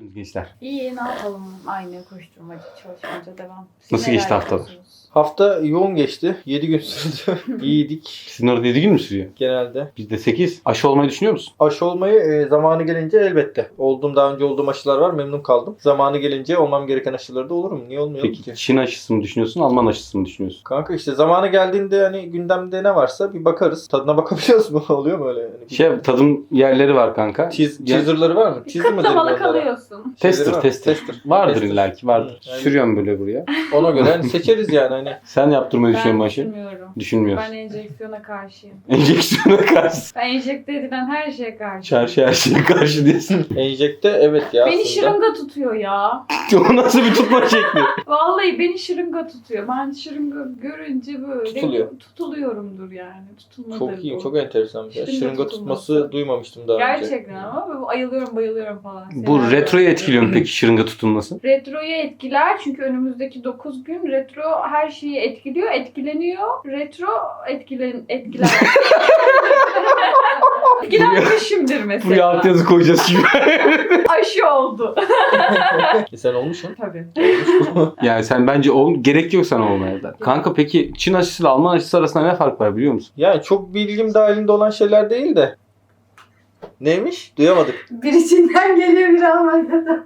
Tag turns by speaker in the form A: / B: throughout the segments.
A: yapıyorsunuz gençler?
B: İyi, ne yapalım? Aynı koşturmaca, çalışmaca devam.
A: Nasıl geçti haftalar?
B: yapıyorsunuz?
C: Hafta yoğun geçti. 7 gün sürdü. İyiydik
A: Sizin orada 7 gün mü sürüyor?
C: genelde.
A: Bizde 8. Aşı olmayı düşünüyor musun?
C: Aşı olmayı zamanı gelince elbette. Daha önce olduğum aşılar var. Memnun kaldım. Zamanı gelince olmam gereken aşıları da olurum. Niye olmuyorum
A: Peki
C: ki?
A: Çin aşısı mı düşünüyorsun, Alman aşısı mı düşünüyorsun?
C: Kanka işte zamanı geldiğinde hani gündemde ne varsa bir bakarız. Tadına bakabiliyoruz mu? Oluyor mu öyle? Yani
A: Tadım yerleri var kanka.
C: teaserları var mı? Teaser mı dedim
B: Kıtlamalı
C: onlara?
B: kalıyorsun.
C: Şeyleri var.
A: Tester. Vardır
C: Tester.
A: illaki vardır.
C: Hı, yani-
A: Sürüyorum böyle buraya.
C: Ona göre hani seçeriz yani hani.
A: Sen yaptırmayı düşünüyor
B: Ben
A: musun aşı?
B: düşünmüyorum.
A: Düşünmüyorsun.
B: Ben enjeksiyona karşıyım.
A: Enjeksiyona karşı.
B: Ben enjekte edilen her şeye karşıyım.
A: Çarşı her şeye karşı diyorsun.
C: Enjekte evet ya
B: Beni
C: aslında.
B: şırınga tutuyor ya.
A: O nasıl bir tutma şekli?
B: Vallahi beni şırınga tutuyor. Ben şırınga görünce böyle
C: Tutuluyor.
B: tutuluyorumdur yani. Tutulmadır
C: Çok iyi,
B: bu.
C: çok enteresan bir şey.
B: Şırınga
C: Şırınga
B: tutulması.
C: tutması duymamıştım daha önce.
B: Gerçekten ama ayılıyorum bayılıyorum falan.
A: Bu
B: Senaryo.
A: retroyu etkiliyor mu peki şırınga tutulması?
B: Retroyu etkiler çünkü önümüzdeki 9 gün retro her şeyi etkiliyor, etkileniyor. Retro etkiler. Etkilenmişimdir
A: Buraya
B: mesela.
A: alt yazı koyacağız şimdi.
B: Aşı oldu.
C: Sen olmuşsun.
B: Tabii.
A: Yani sen bence gerek yok sana olmaya da. Kanka peki Çin aşısıyla Alman aşısı arasında ne fark var biliyor musun?
C: Yani çok bilgim dahilinde olan şeyler değil de. Neymiş? Duyamadık.
B: Bir Çin'den geliyor bir Almanya'dan.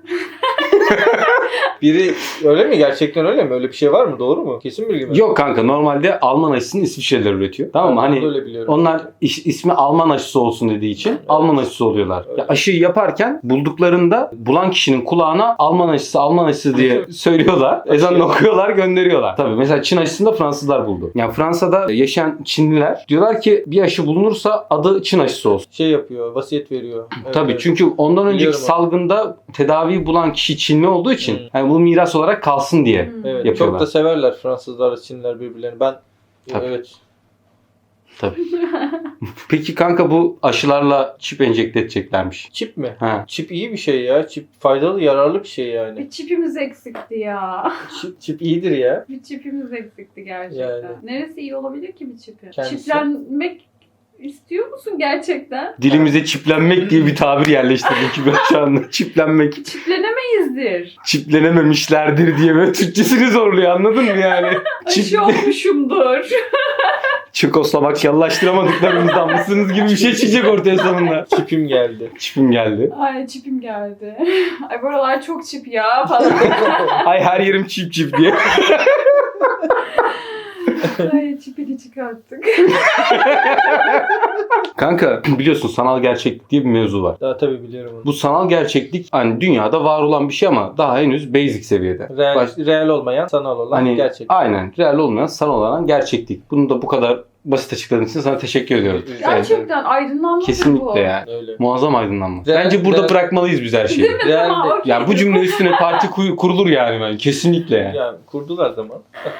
C: Biri öyle mi? Gerçekten öyle mi? Öyle bir şey var mı? Doğru mu? Kesin bilgi mi?
A: Yok kanka normalde Alman aşısını İsviçre'ler üretiyor. Tamam mı?
C: Ben de
A: Hani
C: öyle biliyorum.
A: onlar ismi Alman aşısı olsun dediği için Alman aşısı oluyorlar.
C: Evet.
A: Ya aşıyı yaparken bulduklarında bulan kişinin kulağına Alman aşısı diye söylüyorlar. Ezanını okuyorlar, gönderiyorlar. Tabii mesela Çin aşısını da Fransızlar buldu. Yani Fransa'da yaşayan Çinliler diyorlar ki bir aşı bulunursa adı Çin aşısı olsun.
C: Şey yapıyor, vasiyet veriyor. Evet,
A: Tabii
C: evet.
A: çünkü ondan önceki
C: Biliyorum onu.
A: salgında tedaviyi bulan kişi Çinli olduğu için yani bu miras olarak kalsın diye.
C: Evet,
A: yapıyorlar.
C: çok da severler Fransızlar, Çinliler birbirlerini. Ben
A: Tabii.
C: evet.
A: Tabii. Peki kanka bu aşılarla çip enjekte edeceklermiş.
C: Çip mi?
A: Ha.
C: Çip iyi bir şey ya. Çip faydalı, yararlı bir şey yani.
B: Bir çipimiz eksikti ya.
C: Çip iyidir ya.
B: Bir çipimiz eksikti gerçekten.
C: Yani.
B: Neresi iyi olabilir ki bir çipi?
C: Kendisi.
B: Çiplenmek istiyor musun gerçekten?
A: Dilimize çiplenmek diye bir tabir yerleştirdik ki ben şu anda. Çiplenmek.
B: Çiplenemeyizdir.
A: Çiplenememişlerdir diye böyle Türkçesini zorluyor anladın mı yani?
B: Aşı olmuşumdur.
A: Çekoslovakyallaştıramadıklarımızdan mısınız gibi bir şey çıkacak ortaya sonunda.
C: Çipim geldi.
A: Çipim geldi.
B: Ay çipim geldi. Ay buralar çok çip ya falan.
A: Ay her yerim çip diye.
B: Ay çipini çıkarttık.
A: Kanka biliyorsun sanal gerçeklik diye bir mevzu var.
C: Daha tabii biliyorum onu.
A: Bu sanal gerçeklik hani dünyada var olan bir şey ama daha henüz basic seviyede.
C: Real olmayan, sanal olan
A: Hani
C: gerçek.
A: aynen real olmayan sanal olan gerçeklik. Bunu da bu kadar basit açıkladığın için sana teşekkür ediyorum.
B: Gerçekten aydınlanma bu.
A: Kesinlikle yani.
C: Öyle.
A: Muazzam aydınlanma.
C: Real-
A: Bence burada
C: real-
A: bırakmalıyız biz her şeyi.
B: Değil mi?
C: Real
B: Tamam,
C: de-
B: okey.
A: Yani bu cümle üstüne parti kurulur yani ben. Kesinlikle yani.
C: Yani kurdular zaman.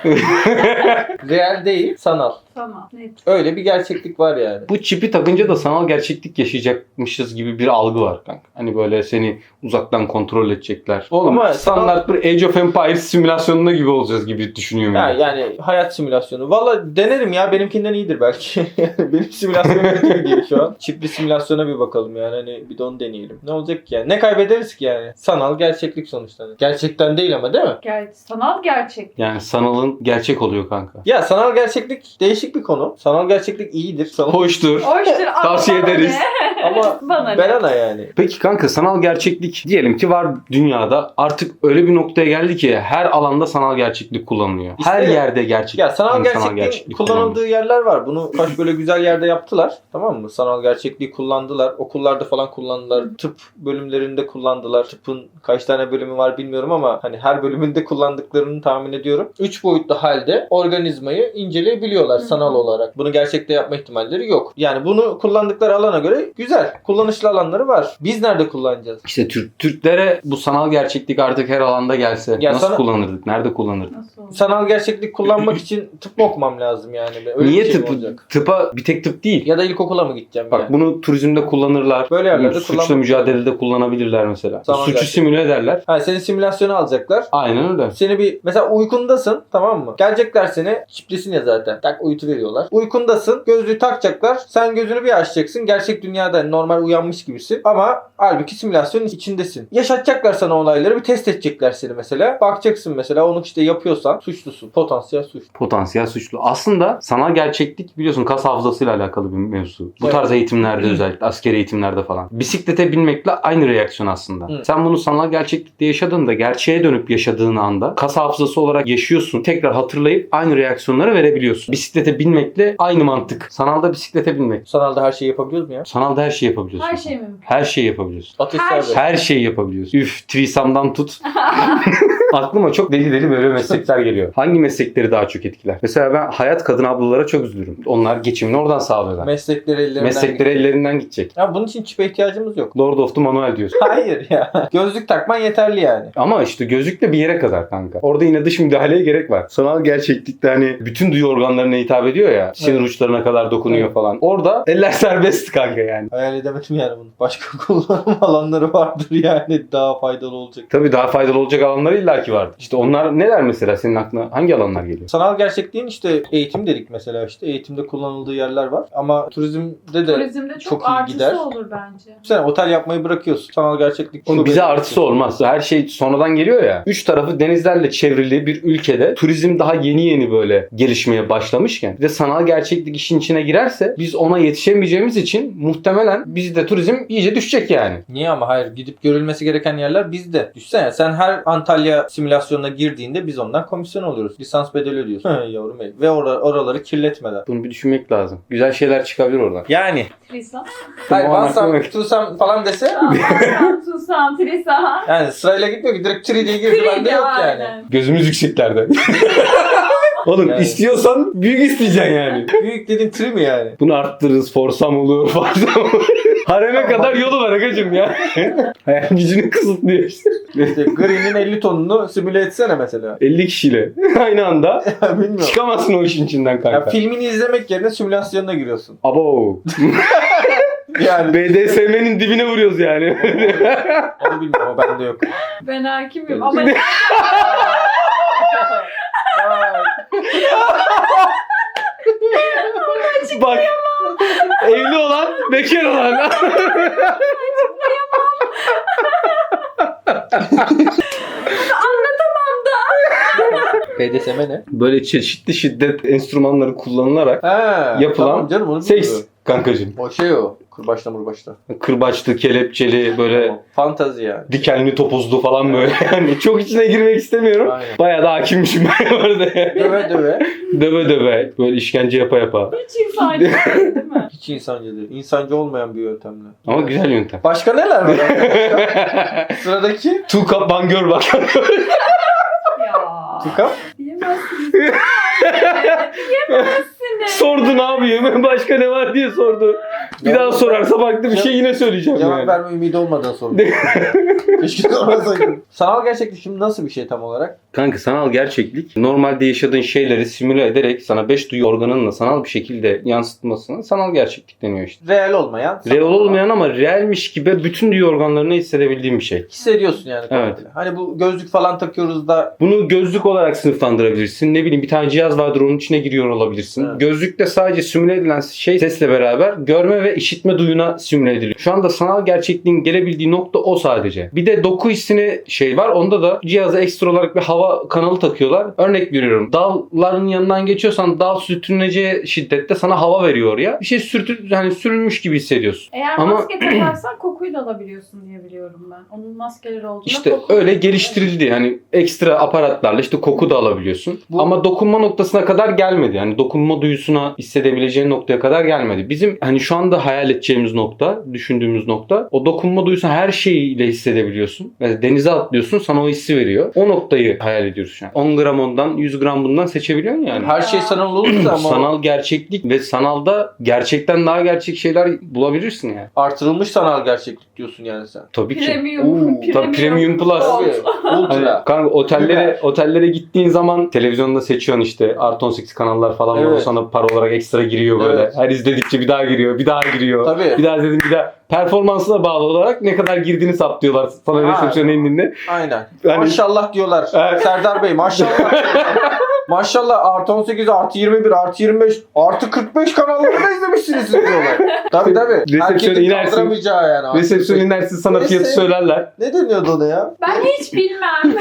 C: Real değil, sanal.
B: Tamam net.
C: Öyle bir gerçeklik var yani.
A: Bu çipi takınca da sanal gerçeklik yaşayacakmışız gibi bir algı var kanka. Hani böyle seni uzaktan kontrol edecekler. Oğlum
C: Ama
A: standart bir Age of Empires simülasyonunda gibi olacağız gibi düşünüyorum.
C: Ya,
A: Yani.
C: yani hayat simülasyonu. Valla denerim ya, benimkinden iyidir belki. Benim simülasyonum kötü gidiyor şu an. Çipli simülasyona bir bakalım yani, hani bir de onu deneyelim. Ne olacak ki yani? Ne kaybederiz ki yani? Sanal gerçeklik sonuçta. Gerçekten değil ama, değil mi?
B: Sanal gerçek.
A: Yani sanalın gerçek oluyor kanka.
C: Ya sanal gerçeklik değişik bir konu. Sanal gerçeklik iyidir.
A: Hoştur.
B: Hoştur. ama
A: Tavsiye
B: bana
A: ederiz.
B: ne?
C: Ama
B: Bana ne?
C: ben ana yani.
A: Peki kanka sanal gerçeklik diyelim ki var dünyada, artık öyle bir noktaya geldi ki her alanda sanal gerçeklik kullanılıyor. Her
C: İşte-
A: yerde gerçek.
C: Ya sanal
A: yani
C: gerçekliğin kullanıldığı yerler var. Bunu kaç böyle güzel yerde yaptılar. Tamam mı? Sanal gerçekliği kullandılar. Okullarda falan kullandılar. Tıp bölümlerinde kullandılar. Tıpın kaç tane bölümü var bilmiyorum ama hani her bölümünde kullandıklarını tahmin ediyorum. 3 boyutlu halde organizmayı inceleyebiliyorlar sanal olarak. Bunu gerçekte yapma ihtimalleri yok. Yani bunu kullandıkları alana göre güzel. Kullanışlı alanları var. Biz nerede kullanacağız?
A: İşte Türklere bu sanal gerçeklik artık her alanda gelse
C: Ya
A: nasıl
C: sana-
A: kullanırdık? Nerede kullanırdık?
B: Nasıl oldu?
C: Sanal gerçeklik kullanmak için tıp mı okumam lazım yani? Öyle
A: Niye
C: bir şey mi
A: tıp?
C: olacak?
A: Tıpa bir tek tıp değil.
C: Ya da ilkokula mı gideceğim
A: Bak
C: yani?
A: bunu turizmde kullanırlar.
C: Böyle yerlerde
A: Suçla
C: kullanmak-
A: mücadelede kullanabilirler mesela.
C: Sanal
A: Suçu
C: gerçeklik.
A: simüle ederler.
C: Ha, seni simülasyona alacaklar.
A: Aynen öyle.
C: Seni bir mesela uykundasın, tamam mı? Gelecekler seni, çiplisin ya zaten. Tak görüntü veriyorlar. Uykundasın. Gözlüğü takacaklar. Sen gözünü bir açacaksın. Gerçek dünyada normal uyanmış gibisin. Ama halbuki simülasyonun içindesin. Yaşatacaklar sana olayları. Bir test edecekler seni mesela. Bakacaksın mesela onu işte yapıyorsan suçlusun. Potansiyel suç.
A: Potansiyel suçlu. Aslında sanal gerçeklik biliyorsun kas hafızasıyla alakalı bir mevzu. Bu
C: Evet.
A: tarz eğitimlerde özellikle askeri eğitimlerde falan. Bisiklete binmekle aynı reaksiyon aslında.
C: Hı.
A: Sen bunu sanal gerçeklikte yaşadığında gerçeğe dönüp yaşadığın anda kas hafızası olarak yaşıyorsun. Tekrar hatırlayıp aynı reaksiyonları verebiliyorsun. Bisiklete binmekle aynı mantık. Sanalda bisiklete binmek.
C: Sanalda her şeyi yapabiliyoruz mu ya?
A: Sanalda her şeyi yapabiliyorsun.
B: Her şey mümkün.
A: Her şeyi yapabiliyorsun.
C: Ateş
B: Her
C: serbest.
A: Her şeyi yapabiliyorsun. Üf, Trisam'dan tut. Aklıma çok deli deli böyle meslekler geliyor. Hangi meslekleri daha çok etkiler? Mesela ben hayat kadın ablalara çok üzülürüm. Onlar geçimini oradan sağlıyorlar.
C: Meslekleri ellerinden
A: Meslekleri
C: gidiyor.
A: ellerinden gidecek.
C: Ya bunun için çipe ihtiyacımız yok.
A: Lord of the Manuel diyorsun.
C: Hayır ya. Gözlük takman yeterli yani.
A: Ama işte gözlükle bir yere kadar kanka. Orada yine dış müdahaleye gerek var. Sanal gerçeklikte hani bütün duyu organlarına hitap ediyor ya. Sinir
C: Evet.
A: uçlarına kadar dokunuyor
C: Evet.
A: falan. Orada eller serbest kanka yani.
C: Hayal edemedim yani bunu. Başka kullanım alanları vardır yani daha faydalı olacak.
A: Tabii daha faydalı olacak alanları illaki vardır. İşte onlar neler mesela senin aklına? Hangi alanlar geliyor?
C: Sanal gerçekliğin işte eğitim dedik mesela işte. Eğitimde kullanıldığı yerler var. Ama turizmde de
B: Turizmde çok,
C: çok iyi
B: artısı
C: gider.
B: olur bence.
C: sen otel yapmayı bırakıyorsun. Sanal gerçeklik.
A: Oğlum
C: çok
A: bize
C: önemli.
A: artısı olmaz. Her şey sonradan geliyor ya. Üç tarafı denizlerle çevrili bir ülkede turizm daha yeni böyle gelişmeye başlamışken bir de sanal gerçeklik işin içine girerse biz ona yetişemeyeceğimiz için muhtemelen bizde turizm iyice düşecek yani.
C: Niye ama hayır gidip görülmesi gereken yerler bizde. Düşünsene sen her Antalya simülasyonuna girdiğinde biz ondan komisyon alıyoruz. Lisans bedeli ödüyorsun. Yavrum benim. Ve oraları kirletmeden.
A: Bunu bir düşünmek lazım. Güzel şeyler çıkabilir oradan.
C: Yani.
B: Trisam.
C: Hayır
A: Tamam,
C: Vansam,
A: aklıma-
C: Tusam falan dese
B: Susam, Trisam.
C: yani sırayla gitmiyor ki direkt 3D'ye girdi bende yok yani.
B: Aynen.
A: Gözümüz yükseklerde. Oğlum
C: Yani.
A: istiyorsan büyük isteyeceksin yani.
C: Büyük dediğin 3 mi yani?
A: Bunu arttırırız. Forsam olur. Forsam olur. Hareme kadar yolu var agacım ya. Hayal gücünü kısıtlıyor işte.
C: İşte Green'in 50 tonunu simüle etsene mesela.
A: 50 kişiyle aynı anda
C: Bilmiyorum.
A: çıkamazsın o işin içinden
C: Ya
A: kanka.
C: filmini izlemek yerine simülasyonuna giriyorsun.
A: Abo.
C: Yani
A: BDSM'nin dibine vuruyoruz yani.
C: onu bilmiyorum o bende yok.
B: Ben hakimim
C: Öyle.
B: ama
A: Bak. Evli olan, bekar olan.
C: BDSM ne?
A: Böyle çeşitli şiddet enstrümanları kullanılarak
C: Ha,
A: Yapılan
C: tamam canım onu
A: seks
C: bilmiyorum.
A: kankacığım.
C: O şey o. Kırbaçla murbaçla.
A: Kırbaçlı, kelepçeli, böyle
C: Tamam. Fantazi yani.
A: dikenli topuzlu falan böyle. Yani çok içine girmek istemiyorum.
C: Aynen.
A: Bayağı da hakimmişim ben orada yani.
C: Döve döve.
A: Döve döve. Böyle işkence yapa yapa.
B: hiç insani değil mi?
C: Hiç insancı değil. İnsancı olmayan bir yöntemle.
A: Ama güzel yöntem.
C: Başka neler var? Sıradaki.
A: Two cup one girl bak.
B: Ya.
C: Tıkam.
B: Diyemezsiniz. Diyemezsiniz.
A: Sordu ne yapayım? Başka ne var diye sordu. Bir daha sorarsa farklı bir şey yine söyleyeceğim
C: Cevap
A: yani.
C: verme ümidi olmadan sorun. Keşke sormasaydım. Sanal gerçeklik şimdi nasıl bir şey tam olarak?
A: Kanka sanal gerçeklik normalde yaşadığın şeyleri simüle ederek sana 5 duyu organınla sanal bir şekilde yansıtmasına sanal gerçeklik deniyor işte.
C: Real olmayan.
A: Real olmayan ama realmiş gibi bütün duyu organlarını hissedebildiğin bir şey.
C: Hissediyorsun yani.
A: Evet.
C: komple. Hani bu gözlük falan takıyoruz da
A: Bunu gözlük olarak sınıflandırabilirsin. Ne bileyim bir tane cihaz vardır onun içine giriyor olabilirsin.
C: Evet.
A: Gözlükte sadece simüle edilen şey sesle beraber görme ve işitme duyuna simüle ediliyor. Şu anda sanal gerçekliğin gelebildiği nokta o sadece. Bir de doku hissini şey var. Onda da cihaza ekstra olarak bir hava kanalı takıyorlar. Örnek veriyorum. Dalların yanından geçiyorsan dal sürtüneceği şiddette sana hava veriyor oraya. Bir şey sürülmüş gibi hissediyorsun.
B: Eğer
A: Ama-
B: maske takarsan kokuyu da alabiliyorsun diye biliyorum ben. Onun maskeleri olduğunda
A: İşte
B: koku-
A: öyle geliştirildi. Yani ekstra aparatlarla işte koku da alabiliyorsun.
C: Bu-
A: Ama dokunma noktasına kadar gelmedi. Yani dokunma duyusuna hissedebileceğin noktaya kadar gelmedi. Bizim hani şu anda hayal edeceğimiz nokta, düşündüğümüz nokta o dokunma duyusunu her şeyiyle hissedebiliyorsun. Mesela denize atlıyorsun sana o hissi veriyor. O noktayı hayal ediyoruz şu an. 10 gram ondan 100 gram bundan seçebiliyorsun yani.
C: her şey sanal olursa ama
A: Sanal gerçeklik ve sanalda gerçekten daha gerçek şeyler bulabilirsin yani.
C: artırılmış sanal gerçeklik diyorsun yani sen.
A: Tabii ki.
B: Premium.
A: Tabii Premium Plus.
C: Tabii.
A: Hani
C: Ultra.
A: kanka
C: Süper.
A: otellere gittiğin zaman televizyonda seçiyorsun işte artı 18 kanallar falan var. O
C: Evet.
A: sana para olarak ekstra giriyor böyle.
C: Evet.
A: Her izledikçe bir daha giriyor, bir daha giriyor.
C: Tabii.
A: Bir daha dedim bir daha. Performansına bağlı olarak ne kadar girdiğini saptıyorlar sana
C: Ha.
A: resepsiyona indiğinde.
C: Aynen.
A: Yani-
C: Maşallah diyorlar.
A: Evet.
C: Serdar Bey maşallah diyorlar. Maşallah artı 18, artı 21, artı 25, artı 45 kanalları da izlemişsiniz siz diyorlar. Tabii.
A: Resepsiyona
C: Herkesin
A: inersin.
C: kaldıramayacağı yani. Artı
A: Resepsiyon
C: 45.
A: inersin sana
C: Neyse.
A: fiyatı söylerler.
C: Ne deniyordu ona ya?
B: Ben hiç bilmem.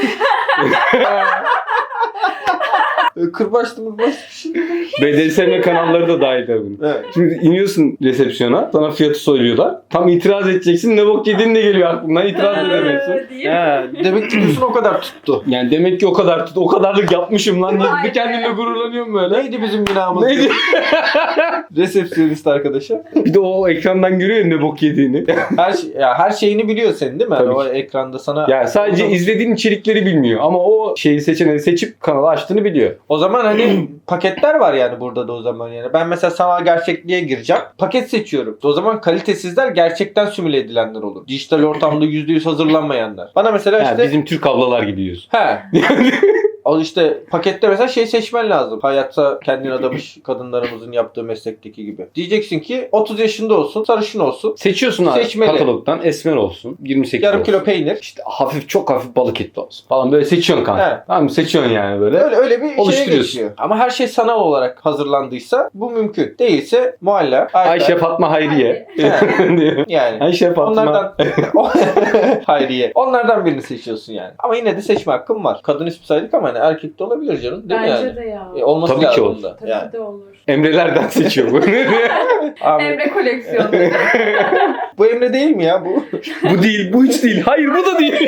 C: Kırbaçlı bir şey.
A: BDSM kanalları da dahil tabii.
C: Evet.
A: Şimdi iniyorsun resepsiyona, sana fiyatı söylüyorlar. Tam itiraz edeceksin, ne bok yediğin de geliyor aklına, itiraz edemiyorsun.
B: Diye.
C: Demek ki diyorsun o kadar tuttu.
A: Yani demek ki o kadarlık yapmışım lan diye
B: Vay
A: bir
B: be.
A: kendimle gururlanıyorum böyle.
C: Neydi bizim günahımız?
A: Neydi?
C: Resepsiyonist arkadaşa.
A: Bir de o ekrandan görüyor ya ne bok yediğini.
C: Her şeyini biliyor senin değil mi?
A: Tabii
C: Yani o
A: ki.
C: ekranda sana.
A: Yani sadece izlediğin içerikleri bilmiyor ama o şeyi seçeneği seçip kanalı açtığını biliyor.
C: O zaman hani paketler var yani burada da o zaman yani. Ben mesela sanal gerçekliğe gireceğim. Paket seçiyorum. O zaman kalitesizler gerçekten simüle edilenler olur. Dijital ortamda %100 hazırlanmayanlar. Bana mesela
A: Ha,
C: işte
A: bizim Türk ablalar gibi diyorsun.
C: he. O işte pakette mesela şey seçmen lazım. Hayatta kendini adamış kadınlarımızın yaptığı meslekteki gibi. Diyeceksin ki 30 yaşında olsun, sarışın olsun.
A: Seçiyorsun abi
C: Seçmeli.
A: katalogdan esmer olsun, 28
C: Yarım
A: olsun.
C: kilo peynir.
A: İşte çok hafif balık etli olsun falan böyle seçiyorsun kanka.
C: Evet.
A: Tamam mı? Seçiyorsun yani böyle.
C: Öyle bir şeye
A: Oluşturuyorsun.
C: geçiyor. Ama her şey sanal olarak hazırlandıysa bu mümkün. Değilse Mualla,
A: Ayşe Fatma Hayriye. diyor.
C: yani.
A: Ayşe Fatma.
C: Onlardan Hayriye. Onlardan birini seçiyorsun yani. Ama yine de seçme hakkın var. Kadın ismi saydık ama hani erkek de olabilir canım. Değil mi
B: Bence
C: yani?
B: de ya.
C: Olması
A: Tabii ki
C: lazım
A: olur.
C: da.
B: Tabii
C: Yani.
B: de olur.
A: Emrelerden seçiyor bu.
C: Abi,
B: Emre koleksiyonu.
C: bu Emre değil mi ya bu?
A: Bu değil, bu hiç değil. Hayır bu da değil.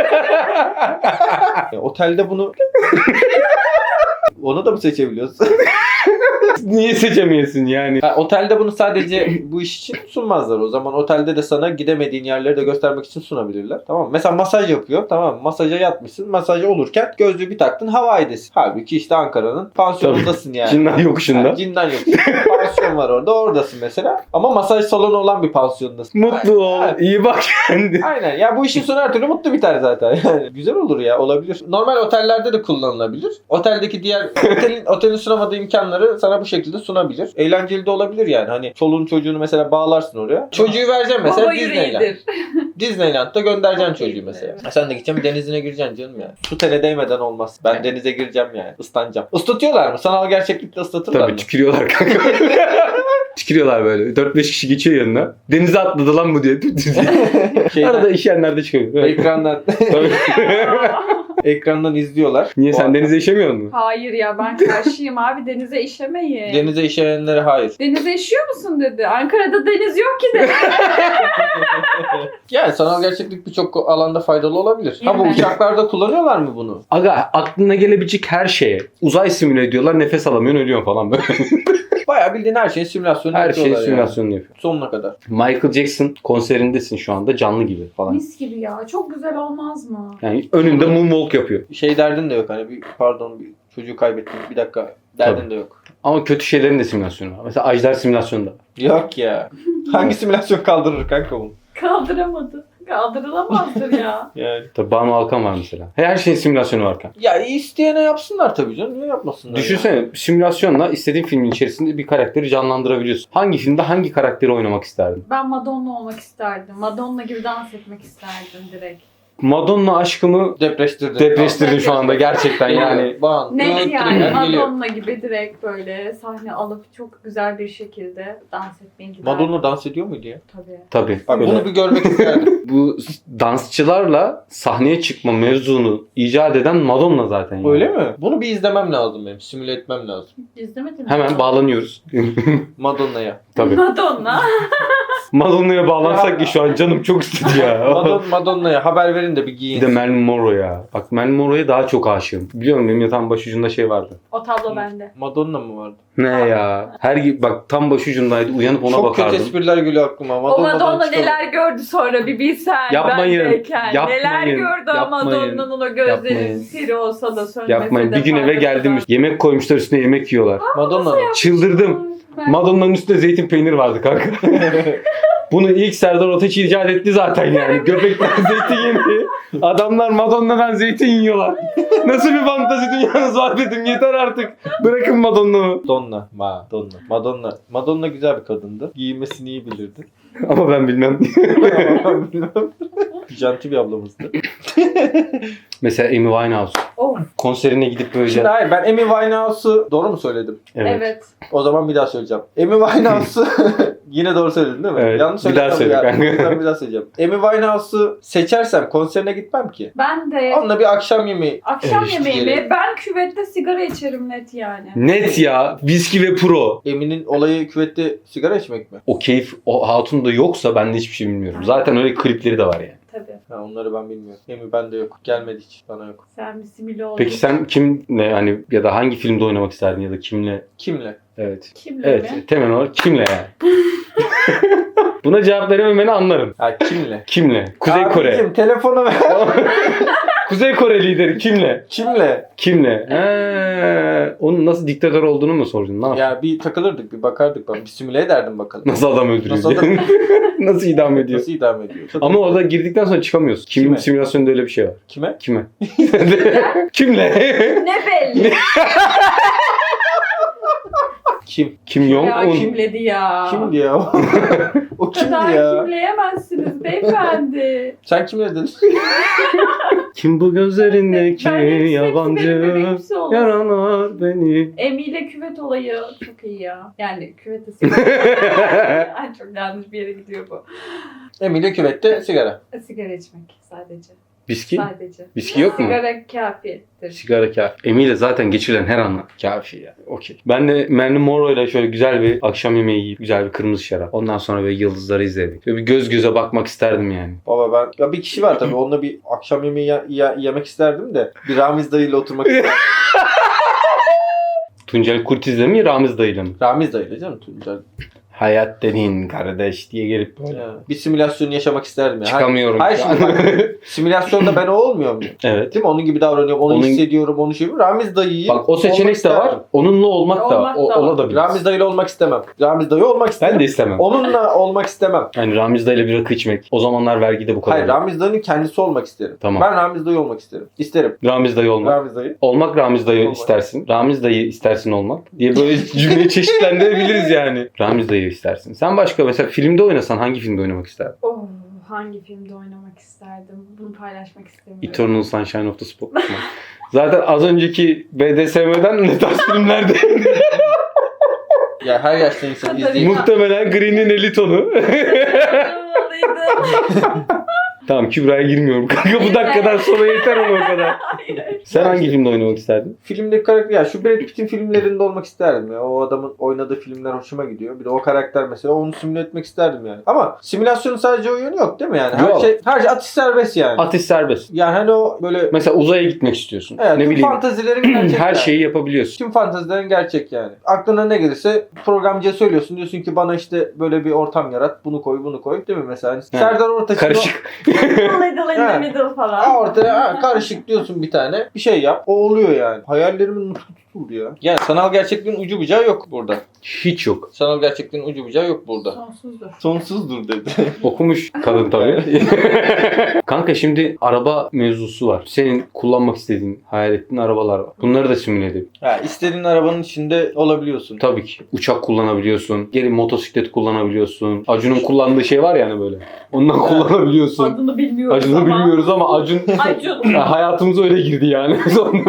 C: Otelde bunu onu da mı seçebiliyorsun?
A: Niye seçemiyorsun yani?
C: Ha, otelde bunu sadece bu iş için sunmazlar. O zaman otelde de sana gidemediğin yerleri de göstermek için sunabilirler. Tamam mı? Mesela masaj yapıyor. Tamam mı? Masaja yatmışsın. Masaj olurken gözlüğü bir taktın havaidesin. Halbuki işte Ankara'nın pansiyonundasın yani.
A: Cinnan yokuşunda.
C: Yani cindan yok. Pansiyon var orada. Oradasın mesela. Ama masaj salonu olan bir pansiyondasın.
A: Mutlu ol,
C: Ha,
A: iyi bak kendi.
C: aynen. Ya bu işin sonu her türlü mutlu biter zaten. Yani güzel olur ya. Olabilir. Normal otellerde de kullanılabilir. Oteldeki diğer otelin sunamadığı imkanları sana bu şekilde sunabilir. Eğlenceli de olabilir yani. Hani çoluğun çocuğunu mesela bağlarsın oraya. Çocuğu vereceksin mesela
B: Baba
C: Disneyland.
B: yüreğidir.
C: Disneyland'da göndereceksin
B: Çok
C: çocuğu
B: keyifli.
C: mesela. Sen de gideceksin denizine gireceksin canım yani. Su tele değmeden olmaz. Ben denize gireceğim yani. Islanacağım. Islatıyorlar mı? Sanal gerçeklikte ıslatırlar
A: Tabii
C: mı?
A: tükürüyorlar kanka. Tükürüyorlar böyle. 4-5 kişi geçiyor yanına. Denize atladı lan bu diye.
C: Şeyden,
A: Arada işeyenler de çıkıyor. Evet.
C: ekrandan
A: Tabii.
C: ekrandan izliyorlar.
A: Niye
C: O
A: sen
C: arada.
A: denize işemiyor musun?
B: Hayır ya ben karşıyım abi denize işemeyin.
C: Denize işeyenlere hayır.
B: Denize işiyor musun dedi. Ankara'da deniz yok ki dedi.
C: Yani sanal gerçeklik birçok alanda faydalı olabilir. Ha bu
B: Evet.
C: uçaklarda kullanıyorlar mı bunu?
A: Aga aklına gelebilecek her şeye. Uzay simüle ediyorlar. Nefes alamıyorsun ölüyorsun falan böyle.
C: Bayağı bildiğin her şeyin simülasyonu
A: Her şeyin
C: yapıyorlar
A: simülasyonunu yapıyor.
C: yani. Sonuna kadar.
A: Michael Jackson konserindesin şu anda canlı gibi falan.
B: Mis gibi ya. Çok güzel olmaz mı?
A: Yani önünde moonwalk yapıyor.
C: Şey derdin de yok hani bir çocuğu kaybettim bir dakika derdin
A: Tabii.
C: de yok.
A: Ama kötü şeylerin de simülasyonu var. Mesela Ajdar simülasyonu da.
C: Yok ya. Hangi simülasyon kaldırır kanka bunu?
B: Kaldıramadı. Kaldırılamazdır ya.
C: Yani.
A: Tabii Banu Alkan var mesela. Her şeyin simülasyonu var kanka.
C: Ya isteyene yapsınlar tabii canım. Niye yapmasınlar?
A: Düşünsene simülasyonla istediğin filmin içerisinde bir karakteri canlandırabiliyorsun. Hangi filmde hangi karakteri oynamak isterdin?
B: Ben Madonna olmak isterdim. Madonna gibi dans etmek isterdim direkt.
A: Madonna aşkımı depreştirdin şu anda gerçekten yani.
B: Net yani
C: Geliyor.
B: Madonna gibi direkt böyle sahne alıp çok güzel bir şekilde dans etmeyi giderdim.
C: Madonna dans ediyor muydu ya?
B: Tabii.
A: Tabii.
C: Bak
A: Böyle
C: bunu bir görmek isterdim.
A: bu dansçılarla sahneye çıkma mevzunu icat eden Madonna zaten. yani.
C: Öyle mi? Bunu bir izlemem lazım benim. Simüle etmem lazım.
B: İzlemedin mi?
A: Hemen bağlanıyoruz.
C: Madonna'ya.
A: Tabii.
B: Madonna.
A: Madonna'ya bağlansak ki şu an canım çok istedi ya.
C: Madonna'ya haber verin de bir
A: Bir
C: giyin.
A: de Marilyn Monroe ya. Bak Marilyn Monroe'ya daha çok aşığım. Biliyor musun benim yatağın başucunda şey vardı.
B: O tablo bende.
C: Madonna mı vardı?
A: Ne ya? Bak tam başucundaydı. Uyanıp ona
C: Çok
A: bakardım.
C: kötü espriler geliyor aklıma.
B: O
C: Madonna'dan
B: Madonna
C: çıkalım.
B: neler gördü sonra bir bilsen.
A: Yapmayın,
B: bendeyken.
A: yapmayın,
B: Neler gördü o
A: yapmayın,
B: Madonna'nın o gözleri
A: yapmayın.
B: siri olsa da sönmese
A: Yapmayın.
B: de
A: Bir gün eve
B: faydası
A: geldim.
B: var.
A: Yemek koymuşlar üstüne yemek yiyorlar.
C: Madonna'nın.
A: Çıldırdım.
B: Ben-
A: Madonna'nın üstünde zeytin peynir vardı kanka. Bunu ilk Serdar Ortaç icat etti zaten yani. Göbekten zeytin yedi. Adamlar Madonna'dan zeytin yiyorlar. Nasıl bir fantezi dünyanız var dedim. Yeter artık. Bırakın Madonna'mı.
C: Madonna. Madonna güzel bir kadındı. Giyinmesini iyi bilirdi.
A: Ama ben bilmem.
C: Janti bir ablamızdı.
A: Mesela Amy Winehouse.
B: Oh,
A: Konserine gidip böyle...
C: Şimdi hayır, ben Amy Winehouse'u doğru mu söyledim?
B: evet.
C: O zaman bir daha söyleyeceğim. Amy Winehouse'u yine doğru söyledin değil mi?
A: Evet,
C: Yanlış
A: bir daha
C: söyledim
A: söyle
C: ya.
A: kanka.
C: Ben bir daha söyleyeceğim. Amy Winehouse'u seçersem konserine gitmem ki.
B: Ben de
C: Onunla bir akşam yemeği.
B: akşam
C: Evet,
B: yemeği
C: işte.
B: mi? Ben küvette sigara içerim net yani.
A: Net ya. Viski ve pro.
C: Amy'nin olayı küvette sigara içmek mi?
A: O keyif o hatunda yoksa ben de hiçbir şey bilmiyorum. Zaten öyle klipleri de var yani.
B: Tabii.
C: Ha, onları ben bilmiyorum. Amy bende yok. Gelmedi hiç. Bana yok.
B: Sen bir simili oldun.
A: Peki sen kimle hani ya da hangi filmde oynamak isterdin ya da kimle?
C: Kimle?
A: Evet.
B: Kimle
A: Evet.
B: mi?
A: Temel olarak kimle yani? Buna cevap verememeni anlarım.
C: Ha kimle?
A: Kimle? Kuzey Kore.
C: Abicim telefonu ver.
A: Kuzey Kore lideri kimle?
C: Kimle?
A: Kimle? Onun nasıl diktatör olduğunu mu sordun? Ne yaptın?
C: Ya bir takılırdık, bir bakardık. Ben bir simüle ederdim bakalım.
A: Nasıl adam öldürüyor?
C: Nasıl
A: diye. Nasıl idam ediyor?
C: Nasıl idam ediyor?
A: Ama orada girdikten sonra çıkamıyorsun.
C: Kime?
A: Simülasyonda öyle bir şey var.
C: Kime?
A: Kime? Kimle?
B: Ne belli.
C: Kim?
A: Kim Jong
B: Ya
A: Un.
B: kimledi ya.
C: Kimdi ya? O
B: Bu
C: kimdi
B: kadar
C: ya?
B: kimleyemezsiniz beyefendi.
C: Sen kimle dedin?
A: Kim bu gözlerindeki
B: Ben hepsi benim
A: yabancı
B: hepsi olur.
A: yaralar beni.
B: Emi ile küvet olayı çok iyi ya. Yani küvete sigara. Ay, çok yanlış bir yere gidiyor bu.
C: Emine küvette sigara.
B: Sigara içmek sadece.
A: Viski?
B: Sadece.
A: Viski yok mu?
B: Sigara kafidir.
A: Sigara kafi. Emiyle zaten geçirilen her anla kafi ya. Okey. Ben de Marilyn Monroe ile şöyle güzel bir akşam yemeği yiyip güzel bir kırmızı şarap. Ondan sonra böyle yıldızları izledik. Böyle bir göz göze bakmak isterdim yani.
C: Baba ben... Ya bir kişi var tabii. Onunla bir akşam yemeği yemek isterdim de. Bir Ramiz dayıyla oturmak isterdim.
A: Tuncel Kurtiz'le mi Ramiz dayıyla mı?
C: Ramiz dayıyla canım Tuncel.
A: Hayat dediğin kardeş diye gelip böyle.
C: Ya, bir simülasyonu yaşamak isterdim ya.
A: Çıkamıyorum.
C: Hayır
A: şu an.
C: şimdi bak, simülasyonda ben o olmuyor muyum?
A: Evet.
C: Değil mi? Onun gibi davranıyorum. Onu
A: Onun-
C: hissediyorum. Onu şey yapıyorum. Ramiz dayıyı
A: Bak o seçenek
C: olmak
A: de var.
C: isterdim.
A: Onunla olmak da var.
B: Olmak da var.
A: Olabilir.
C: Ramiz dayıyla olmak istemem. Ramiz dayı olmak istemem.
A: Ben de istemem.
C: Onunla olmak istemem.
A: Yani Ramiz dayıyla bir rakı içmek. O zamanlar vergide bu kadar.
C: Hayır, Ramiz dayının kendisi olmak isterim.
A: Tamam.
C: Ben Ramiz dayı olmak isterim. İsterim.
A: Ramiz dayı olmak.
C: Ramiz dayı.
A: Olmak Ramiz dayı
C: Olmak.
A: istersin. Ramiz dayı istersin olmak diye böyle cümleyi çeşitlendirebiliriz yani. Ramiz dayı istersin. Sen başka mesela filmde oynasan hangi filmde oynamak isterdin?
B: Oh, hangi filmde oynamak isterdim? Bunu paylaşmak istemiyorum.
A: Eternal Sunshine of the Spotless Mind. Zaten az önceki BDSM'den ne tarz filmlerde?
C: Ya her yaşta insan
B: Tabii.
C: izleyip
A: Muhtemelen Green'in 50 tonu. Tamam Kübra'ya girmiyorum. Kanka bu dakikadan sonra yeter ama o kadar. Sen hangi filmde oynamak isterdin?
C: filmdeki karakter ya şu Brad Pitt'in filmlerinde olmak isterdim ya. O adamın oynadığı filmler hoşuma gidiyor. Bir de o karakter mesela onu simüle etmek isterdim yani. Ama simülasyonun sadece o yönü yok değil mi yani?
A: Yok.
C: Her şey atış serbest yani.
A: Atış serbest.
C: Yani hani o böyle
A: Mesela uzaya gitmek istiyorsun.
C: evet,
A: ne
C: tüm
A: bileyim.
C: fantazilerin gerçek
A: Her
C: yani.
A: şeyi yapabiliyorsun.
C: Tüm fantazilerin gerçek yani. Aklına ne gelirse programcıya söylüyorsun. Diyorsun ki bana işte böyle bir ortam yarat. Bunu koy bunu koy. Değil mi mesela? Hani Serdar Ortaç'ın
A: Karışık.
B: Little in the
C: Ha.
B: middle falan.
C: ortaya karışık diyorsun bir tane. Bir şey yap. O oluyor yani. Hayallerimin nutku tutuldu ya. Yani sanal gerçekliğin ucu bucağı yok burada.
A: Hiç yok.
C: Sanal gerçekliğin ucu bucağı yok burada.
B: Sonsuzdur.
C: Sonsuzdur dedi.
A: Okumuş kadın tabii. Kanka şimdi araba mevzusu var. Senin kullanmak istediğin, hayal ettiğin arabalar var. Bunları da simüle edelim.
C: Ha, istediğin arabanın içinde olabiliyorsun.
A: Tabii ki. Uçak kullanabiliyorsun. Gelin motosiklet kullanabiliyorsun. Acun'un kullandığı şey var yani böyle. Ondan kullanabiliyorsun.
B: Adını bilmiyoruz
A: Acun'u
B: ama.
A: bilmiyoruz ama Acun
B: Acun.
A: ya hayatımıza öyle girdi yani.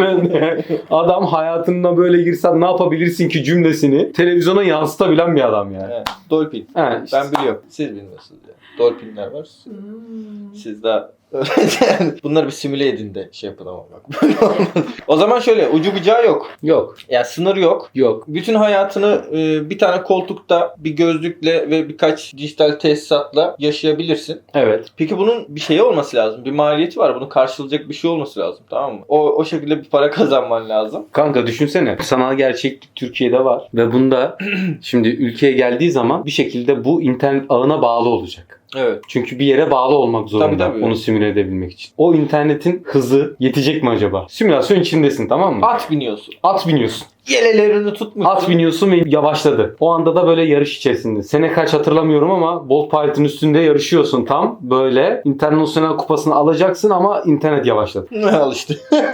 A: Adam hayatına böyle girsen ne yapabilirsin ki cümlesini televizyona yansıtabilen bir adam yani.
C: Evet. Dolphin.
A: Ha, işte.
C: Ben biliyorum. Siz bilmiyorsunuz ya. Dolphinler var.
B: Hmm.
C: Siz daha bunları bir simüle edin de şey yapın ama bak. Böyle olmaz. O zaman şöyle ucu bucağı yok.
A: Yok.
C: Yani sınır yok.
A: Yok.
C: Bütün hayatını bir tane koltukta bir gözlükle ve birkaç dijital tesisatla yaşayabilirsin.
A: Evet.
C: Peki bunun bir şeyi olması lazım. Bir maliyeti var. Bunu karşılayacak bir şey olması lazım. Tamam mı? O şekilde bir para kazanman lazım.
A: Kanka düşünsene. Sanal gerçeklik Türkiye'de var. Ve bunda şimdi ülkeye geldiği zaman bir şekilde bu internet ağına bağlı olacak.
C: Evet.
A: Çünkü bir yere bağlı olmak zorunda
C: Tabii.
A: onu simüle edebilmek için. O internetin hızı yetecek mi acaba? Simülasyon içindesin tamam mı?
C: At biniyorsun.
A: At biniyorsun.
C: Yelelerini tutmuşsun.
A: At biniyorsun ve yavaşladı. O anda da böyle yarış içerisinde. Sene kaç hatırlamıyorum ama Bolt Pilot'ın üstünde yarışıyorsun tam. Böyle internasyonel kupasını alacaksın ama internet yavaşladı.
C: Al işte.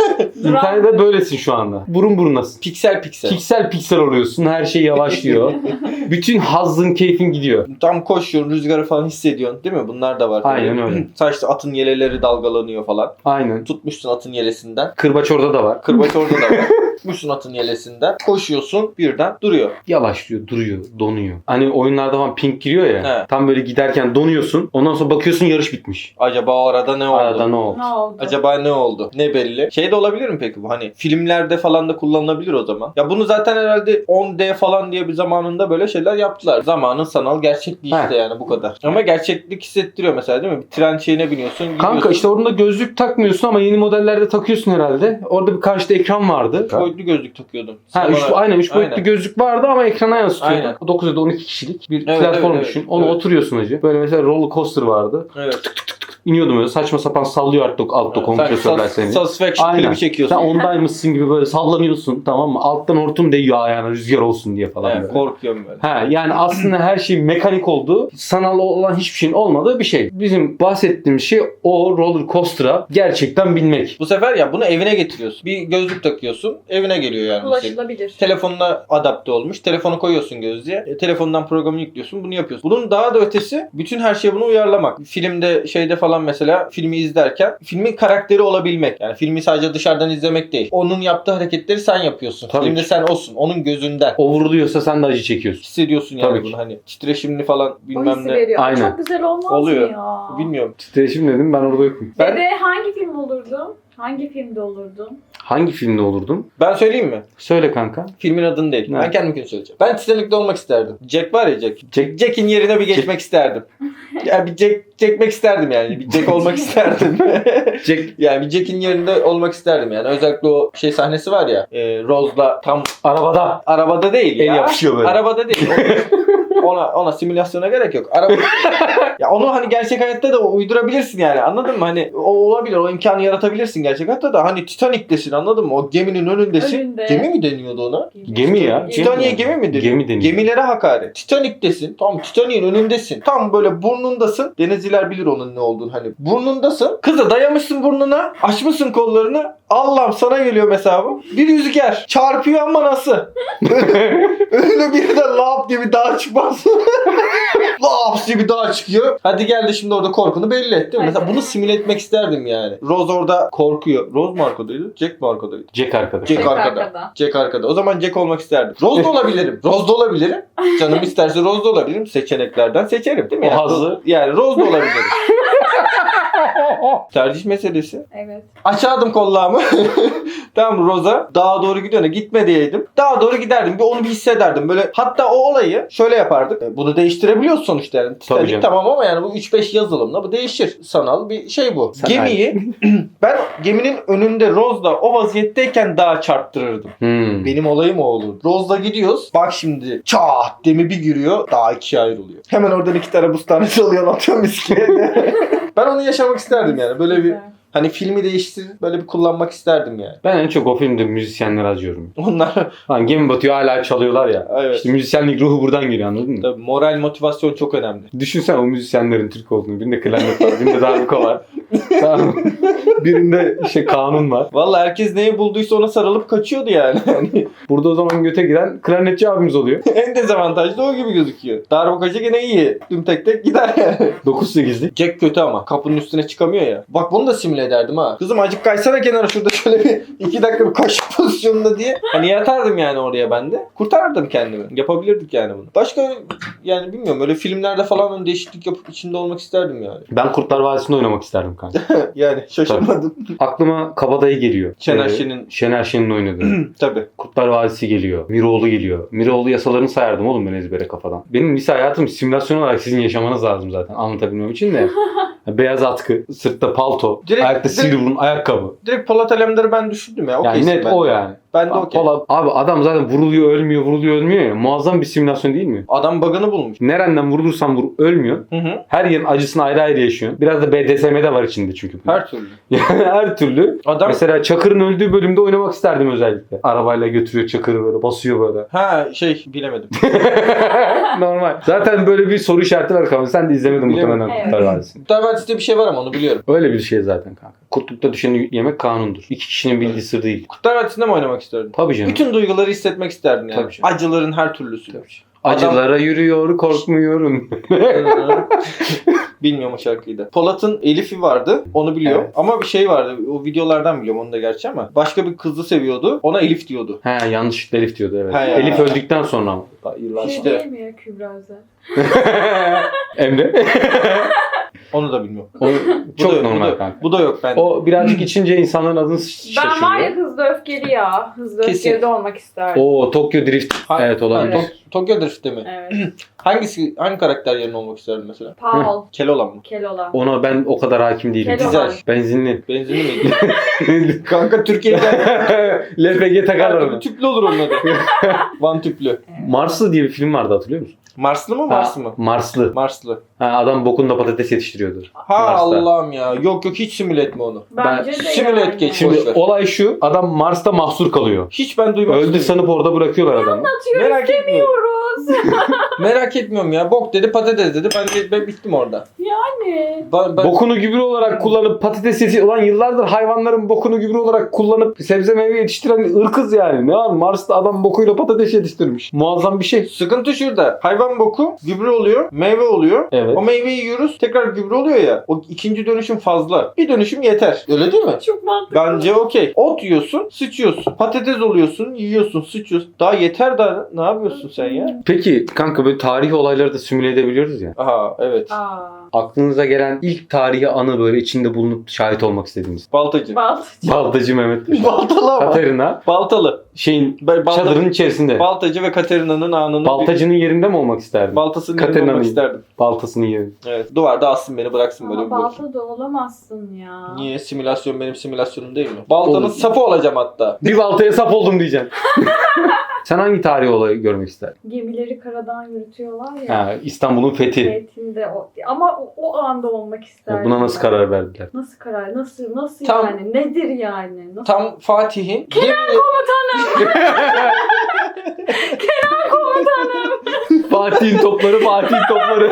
A: İnternette böylesin şu anda. Burun burunasın.
C: Piksel piksel.
A: Piksel piksel oluyorsun. Her şey yavaşlıyor. Bütün hazzın, keyfin gidiyor.
C: Tam koşuyorsun, rüzgarı falan hissediyorsun değil mi? Bunlar da var.
A: Aynen öyle.
C: Saçta atın yeleleri dalgalanıyor falan.
A: Aynen.
C: Tutmuşsun atın yelesinden.
A: Kırbaç orada da var.
C: Kırbaç orada da var. Tutmuşsun atın yelesinden. Koşuyorsun birden duruyor.
A: Yavaşlıyor, duruyor, donuyor. Hani oyunlarda falan ping giriyor ya.
C: He.
A: Tam böyle giderken donuyorsun. Ondan sonra bakıyorsun yarış bitmiş.
C: Acaba o arada ne oldu?
A: Arada ne oldu?
B: Ne oldu?
C: Acaba ne oldu? Ne belli? Şey de olabilir mi peki bu? Hani filmlerde falan da kullanılabilir o zaman. Ya bunu zaten herhalde 10D falan diye bir zamanında böyle şeyler yaptılar. Zamanın sanal gerçekliği işte
A: He.
C: yani bu kadar. Ama gerçeklik hissettiriyor mesela değil mi? Bir tren şeyine biniyorsun.
A: Kanka
C: gidiyorsun.
A: işte orada gözlük takmıyorsun ama yeni modellerde takıyorsun herhalde. Orada bir karşıda ekran vardı.
C: boyutlu gözlük takıyordum.
A: Ha,
C: Sinemalar-
A: 3 boyutlu
C: Aynen.
A: gözlük vardı ama ekrana yansıtıyordu.
C: Aynen.
A: 9 ya da 12 kişilik bir
C: Evet,
A: platform
C: evet,
A: düşün.
C: evet.
A: Onu
C: Evet.
A: oturuyorsun hacı. Böyle mesela roller coaster vardı.
C: Evet.
A: İniyordum öyle saçma sapan sallıyor altta kompresörler seni.
C: Satisfaction
A: Aynen.
C: klibi çekiyorsun.
A: Sen ondaymışsın gibi böyle sallanıyorsun, tamam mı? Alttan hortum değiyor ayağına rüzgar olsun diye falan.
C: Evet,
A: böyle.
C: korkuyorum böyle.
A: Ha, yani aslında her şeyin mekanik olduğu, sanal olan hiçbir şeyin olmadığı bir şey. Bizim bahsettiğimiz şey o roller coaster'a gerçekten binmek.
C: Bu sefer ya bunu evine getiriyorsun. Bir gözlük takıyorsun. Evine geliyor yani. bu senin.
B: Ulaşılabilir.
C: Telefonuna adapte olmuş. Telefonu koyuyorsun gözlüğe. Telefondan programı yüklüyorsun. Bunu yapıyorsun. Bunun daha da ötesi bütün her şeye bunu uyarlamak. Filmde şeyde falan mesela filmi izlerken filmin karakteri olabilmek. Yani filmi sadece dışarıdan izlemek değil. Onun yaptığı hareketleri sen yapıyorsun.
A: Tabii
C: Filmde
A: ki.
C: sen olsun. Onun gözünden.
A: O vuruluyorsa sen de acı çekiyorsun.
C: Hissediyorsun yani
A: Tabii
C: bunu
A: ki.
C: hani titreşimli falan
B: O
C: bilmem
B: hissi
C: ne.
B: veriyor.
A: Aynen.
B: Çok güzel olmaz
C: Oluyor.
B: mı ya?
C: Bilmiyorum.
A: Titreşim dedim, ben orada yokum.
C: Ben-
B: Dede hangi film olurdun? Hangi filmde olurdun?
A: Hangi filmde olurdum?
C: Ben söyleyeyim mi?
A: Söyle kanka.
C: Filmin adını değil.
A: Ne?
C: Ben kendimkini söyleyeceğim. Ben Titanic'te olmak isterdim. Jack var ya Jack. Jack'in yerine bir geçmek isterdim. Ya bir Jack çekmek isterdim yani. Bir Jack olmak isterdim.
A: Jack.
C: Yani bir Jack'in yerinde olmak isterdim yani. Özellikle o şey sahnesi var ya. Rose'la tam
A: Arabada.
C: arabada değil
A: El
C: ya.
A: yapışıyor böyle.
C: Arabada değil. Ona simülasyona gerek yok. Araba ya onu hani gerçek hayatta da uydurabilirsin yani. Anladın mı? Hani o olabilir. O imkanı yaratabilirsin gerçek hayatta da. Hani Titanic'tesin anladın mı? O geminin önündesin.
B: Önünde.
C: Gemi mi deniyordu ona?
A: Gemi ya.
C: Titanic'e gemi mi deniyor?
A: Gemi deniyor.
C: Gemilere hakaret. Titanic'tesin. Tam Titanic'in önündesin. Tam böyle burnundasın. Denizciler bilir onun ne olduğunu hani. Burnundasın. Kıza dayamışsın burnuna. Açmışsın kollarını. Allah'ım sana geliyor mesela bu. Bir rüzgar. Çarpıyor ama nasıl? Öyle bir de lap diye bir dağ çıkmaz. Lap diye bir dağ çıkıyor. Hadi gel de şimdi orada korkunu belli et değil mi? Mesela bunu simüle etmek isterdim yani. Rose orada korkuyor. Rose mu arkadaydı? Jack mi arkadaydı?
A: Jack arkadaş.
C: Jack
B: Jack
C: arkada.
B: arkada.
C: Jack arkada. O zaman Jack olmak isterdim. Rose da olabilirim. Rose da olabilirim. Canım isterse Rose da olabilirim. Seçeneklerden seçerim değil mi?
A: O
C: Yani,
A: hazzı.
C: yani Rose da olabilirim. Tercih meselesi.
B: Evet.
C: Açardım kollağımı. Tamam Rose'a. Dağa doğru gidiyor. Gitme diyeydim. Dağa doğru giderdim. Bir onu bir hissederdim. Böyle hatta o olayı şöyle yapardık. Bunu değiştirebiliyorsun sonuçta yani. Titanic
A: canım.
C: tamam ama yani bu 3-5 yazılımla bu değişir. Sanal bir şey bu.
A: Sen
C: Gemiyi ben geminin önünde Rose'la o vaziyetteyken dağa çarptırırdım. Benim olayım o olur. Rose'la gidiyoruz. Bak şimdi çat demi bir giriyor. Daha ikiye ayrılıyor. Hemen oradan 2 tane buz tanesi alıyor. Atıyorum iskeleye. Ben onu yaşamak isterdim yani. Böyle bir
B: Güzel.
C: hani filmi değiştir böyle bir kullanmak isterdim yani.
A: Ben en çok o filmde müzisyenleri acıyorum.
C: Onlar
A: Hani gemi batıyor hala çalıyorlar ya.
C: evet.
A: İşte müzisyenlik ruhu buradan geliyor, anladın mı?
C: Tabii moral motivasyon çok önemli.
A: Düşünsen o müzisyenlerin Türk olduğunu. Birinde klarnet var, birinde darbuka var. Tamam. Birinde işte kanun var.
C: Vallahi herkes neyi bulduysa ona sarılıp kaçıyordu yani. Hani
A: Burada o zaman göte giren klarnetçi abimiz oluyor.
C: en dezavantajlı o gibi gözüküyor. Darbukacı gene iyi. Tüm tek tek gider yani.
A: 9-8'lik.
C: Jack kötü ama kapının üstüne çıkamıyor ya. Bak bunu da simüle ederdim ha. Kızım acık kaysana kenara şurada şöyle bir 2 dakika bir kaşık pozisyonunda diye. Hani yatardım yani oraya ben de. Kurtarırdım kendimi. Yapabilirdik yani bunu. Başka yani bilmiyorum öyle filmlerde falan öyle değişiklik yapıp içinde olmak isterdim yani.
A: Ben Kurtlar Vadisi'nde oynamak isterdim kanka.
C: Yani şaşırmadım.
A: Aklıma Kabadayı geliyor.
C: Şener Şen'in
A: Şener Şen'in oynadığı.
C: tabii.
A: Kurtlar Vadisi geliyor. Miroğlu geliyor. Miroğlu yasalarını sayardım oğlum ben ezbere kafadan. Benim lise hayatım simülasyon olarak sizin yaşamanız lazım zaten anlatabilmem için de. Beyaz atkı, sırtta palto,
C: Direkt-
A: ayakta sivri burun ayakkabı.
C: Direkt Polat Alemdar'ı ben düşündüm ya.
A: Yani
C: Okeysin
A: net
C: ben.
A: o yani.
C: Ben de okey.
A: Abi adam zaten vuruluyor ölmüyor ya. Muazzam bir simülasyon değil mi?
C: Adam bug'ını bulmuş.
A: Nereden vurulursan vur ölmüyor.
C: Hı hı.
A: Her yerin acısını ayrı ayrı yaşıyorsun. Biraz da BDSM'de var içinde çünkü.
C: Her türlü.
A: Yani her türlü.
C: Adam
A: Mesela Çakır'ın öldüğü bölümde oynamak isterdim özellikle. Arabayla götürüyor Çakır'ı böyle basıyor böyle.
C: ha bilemedim.
A: Normal. Zaten böyle bir soru işareti var kafamda. Sen de izlemedin
C: Bilemedim.
A: muhtemelen
B: Evet.
A: Kurtlar Vadisi'ni.
C: Kurtlar Vadisi'de bir şey var ama onu biliyorum.
A: Öyle bir şey zaten kanka. Kurtlukta düşeni yemek kanundur. İki kişinin bildiği sır değil.
C: Kurtlar Vadisi'nde mi oynamak isterdin?
A: Tabii canım.
C: Bütün duyguları hissetmek isterdin yani.
A: Tabii canım.
C: Acıların her türlüsü.
A: Acılara yürüyor, korkmuyorum.
C: Bilmiyorum o şarkıyı da. Polat'ın Elif'i vardı. Onu biliyor.
A: Evet.
C: Ama bir şey vardı. O videolardan biliyorum onu da gerçi ama. Başka bir kızı seviyordu. Ona Elif diyordu.
A: He yanlışlıkla Elif diyordu evet.
C: He ya.
A: Elif öldükten sonra ama. Yıllar
B: Şey
C: İşte.
B: değil mi ya Kübra Özel?
A: Emre.
C: Onu da bilmiyorum.
A: O
C: Bu
A: çok
C: da yok,
A: normal
C: bu da,
A: kanka.
C: Bu da yok bende.
A: O birazcık içince insanların adını şaşırıyor.
B: Ben var ya Hızlı Öfkeli ya. Hızlı
C: Kesin.
B: Öfkeli de olmak isterdim.
A: Oo Tokyo Drift. Evet olabilir.
B: Evet.
C: Tokyo Drift'te mi?
B: Evet.
C: Hangi karakter yerine olmak isterdin mesela?
B: Paul.
C: Keloğlan mı?
B: Keloğlan.
A: Ona ben o kadar hakim değilim.
B: Keloğlan.
C: Güzel.
A: Benzinli.
C: Benzinli miydi? Kanka Türkiye'de
A: LPG takarlar
C: her
A: ona.
C: tüplü olur onun adı. Van tüplü.
A: Marslı diye bir film vardı hatırlıyor musun?
C: Marslı mı Mars mı?
A: Marslı.
C: Marslı.
A: Ha, adam bokunda patates yetiştiriyordu.
C: Ha
A: Mars'ta.
C: Allah'ım ya. Yok hiç simüle etme onu.
B: Bence de
C: simüle
B: yani.
C: et geç.
A: Şimdi
C: Boş ver.
A: olay şu. Adam Mars'ta mahsur kalıyor.
C: Hiç ben duymak
A: Öldü
C: istemiyorum.
A: sanıp orada bırakıyorlar adamı.
B: Atıyoruz
C: Merak etmiyorum.
B: demiyoruz.
C: Merak etmiyorum ya. Bok dedi patates dedi. Ben bittim orada.
B: Yani.
C: Ben...
A: Bokunu gübre olarak kullanıp patates olan yıllardır hayvanların bokunu gübre olarak kullanıp sebze meyve yetiştiren ırkız yani. Ne var? Mars'ta adam bokuyla patates yetiştirmiş. Muazzam bir şey.
C: Sıkıntı şurada. Hayvan boku gübre oluyor. Meyve oluyor.
A: Evet.
C: O meyveyi yiyoruz. Tekrar gübre oluyor ya. O ikinci dönüşüm fazla. Bir dönüşüm yeter. Öyle değil mi?
B: Çok mantıklı.
C: Bence okey. Ot yiyorsun, sıçıyorsun. Patates oluyorsun, yiyorsun, sıçıyorsun. Daha yeter daha. Ne yapıyorsun sen ya?
A: Peki kanka böyle tarihi olayları da simüle edebiliyoruz ya.
C: Aha evet.
B: Aa.
A: Aklınıza gelen ilk tarihi anı böyle içinde bulunup şahit olmak istediğiniz.
C: Baltacı.
A: Baltacı Mehmet Paşa.
C: Baltalı ama.
A: Katerina
C: Baltalı.
A: şeyin
C: Balta-
A: çadırın içerisinde.
C: Baltacı ve Katerina'nın anını
A: Baltacının yerinde mi olmak isterdin?
C: baltasının yerinde
A: Katerina'nın
C: olmak isterdim.
A: Baltasının yerinde.
C: Evet. Duvarda assın beni bıraksın böyle
B: Ama
C: bir bakayım.
B: balta da olamazsın ya.
C: Niye? Simülasyon benim simülasyonum değil mi? Baltanın
A: Olur.
C: sapı olacağım hatta.
A: Bir baltaya sap oldum diyeceksin. Sen hangi tarihi olayı görmek isterdin?
B: Gemileri karadan yürütüyorlar ya.
A: Ha, İstanbul'un fethi.
B: Niyetinde ama o anda olmak isterdim.
A: Buna nasıl
B: ben.
A: karar verdiler?
B: Nasıl karar? Nasıl
C: Tam-
B: yani? Nedir yani? Nasıl?
C: Tam Fatih'in
A: Fatih'in topları, Fatih'in topları.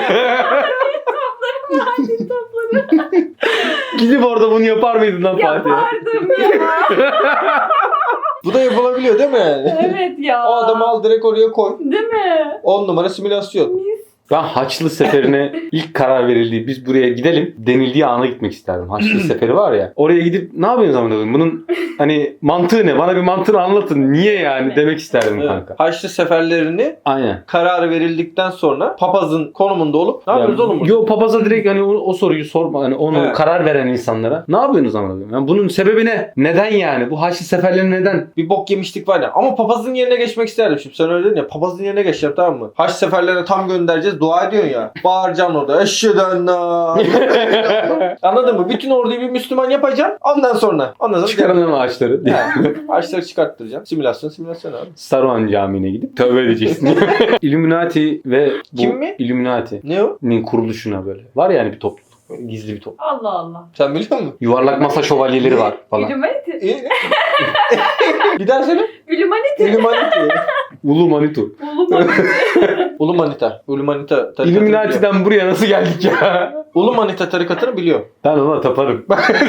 B: Fatih topları.
A: Gidip orada bunu yapar mıydın lan Fatih?
B: Yapardım ya.
C: Bu da yapılabiliyor değil mi yani?
B: Evet ya.
C: O adamı al direkt oraya koy.
B: Değil mi?
C: 10 numara simülasyon.
B: Mis.
A: Ben Haçlı Seferi'ne ilk karar verildiği, biz buraya gidelim denildiği ana gitmek isterdim. Haçlı Seferi var ya. Oraya gidip ne yapıyorsunuz zaman koyayım? Bunun hani mantığı ne? Bana bir mantığını anlatın. Niye yani demek isterdim
C: Evet.
A: kanka.
C: Haçlı seferlerini
A: Aynen.
C: kararı verildikten sonra papazın konumunda olup ne yapıyoruz oğlum?
A: Yo papaza direkt hani o soruyu sorma. Hani onu
C: Evet.
A: karar veren insanlara. Ne yapıyorsunuz zaman koyayım? Yani bunun sebebi ne? Neden yani? Bu Haçlı Seferleri neden?
C: Bir bok yemiştik var ya. Ama papazın yerine geçmek isterdim. Şimdi sen öyle dedin ya. Papazın yerine geçeceğim tamam mı? Haç seferlerine tam göndereceğiz. Dua ediyorsun ya. Bağıracaksın orada. Eşheden Anladın mı? Bütün orduyu bir Müslüman yapacaksın. Ondan sonra.
A: Çıkaralım ağaçları.
C: Haçları çıkarttıracaksın. Simülasyon abi.
A: Saruhan Camii'ne gidip tövbe edeceksin. Illuminati ve bu
C: Kim mi?
A: Illuminati'nin
C: Ne o?
A: kuruluşuna böyle. Var yani bir topluluk. Böyle gizli bir topluluk.
B: Allah Allah.
C: Sen biliyor musun?
A: Yuvarlak masa şövalyeleri var falan.
B: Illuminati.
C: Bir daha söyle.
B: Illuminati.
C: Illuminati.
A: Ulu Manitu.
C: Ulumanita. Ulumanita tarikatını biliyor.
A: Illuminati'den buraya nasıl geldik ya?
C: Ulumanita tarikatını biliyor.
A: Ben ona taparım.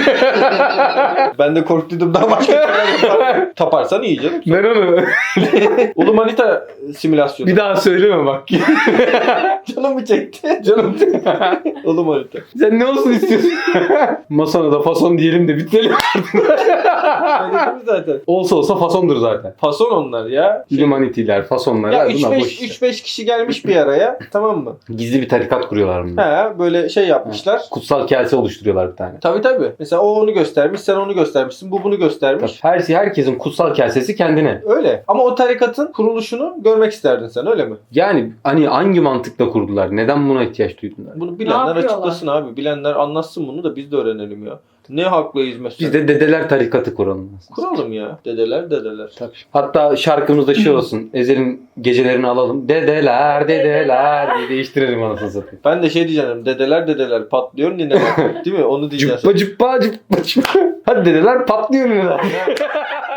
C: Ben de korktuydum daha başka şeyler yaparım. Taparsan iyi canım.
A: Ben onu
C: Ulumanita simülasyonu.
A: bir daha söyleme bak.
C: Canım mı çekti?
A: Canım.
C: Ulumanita.
A: Sen ne olsun istiyorsun? Masana da fason diyelim de bitirelim.
C: Öyle mi zaten?
A: Olsa fasondur zaten.
C: Fason onlar ya.
A: Illuminati'ler, fasonlar.
C: Ya
A: bunlar boş işler.
C: 3-5 kişi gelmiş bir araya tamam mı?
A: Gizli bir tarikat kuruyorlar bunlar.
C: He böyle şey yapmışlar.
A: Kutsal kase oluşturuyorlar bir tane.
C: Tabii. Mesela o onu göstermiş, sen onu göstermişsin, bu bunu göstermiş.
A: Herkesin kutsal kasesi kendine.
C: Öyle. Ama o tarikatın kuruluşunu görmek isterdin sen öyle mi?
A: Yani hani hangi mantıkla kurdular? Neden buna ihtiyaç duydular?
C: Bunu bilenler
B: yapıyorlar?
C: açıklasın abi. Bilenler anlatsın bunu da biz de öğrenelim ya. Ne hakla hizmet?
A: Biz de dedeler tarikatı kuralım.
C: kuralım ya. Dedeler.
A: Tabii. Hatta şarkımızda şey olsun. Ezel'in gecelerini alalım. Dedeler diye değiştirelim anasını satayım.
C: Ben de şey diyeceğim. Dedeler patlıyor nineler. Değil mi? Onu diyeceğiz.
A: Cıppa cıppa cıppa cıppa. Hadi dedeler patlıyor neler.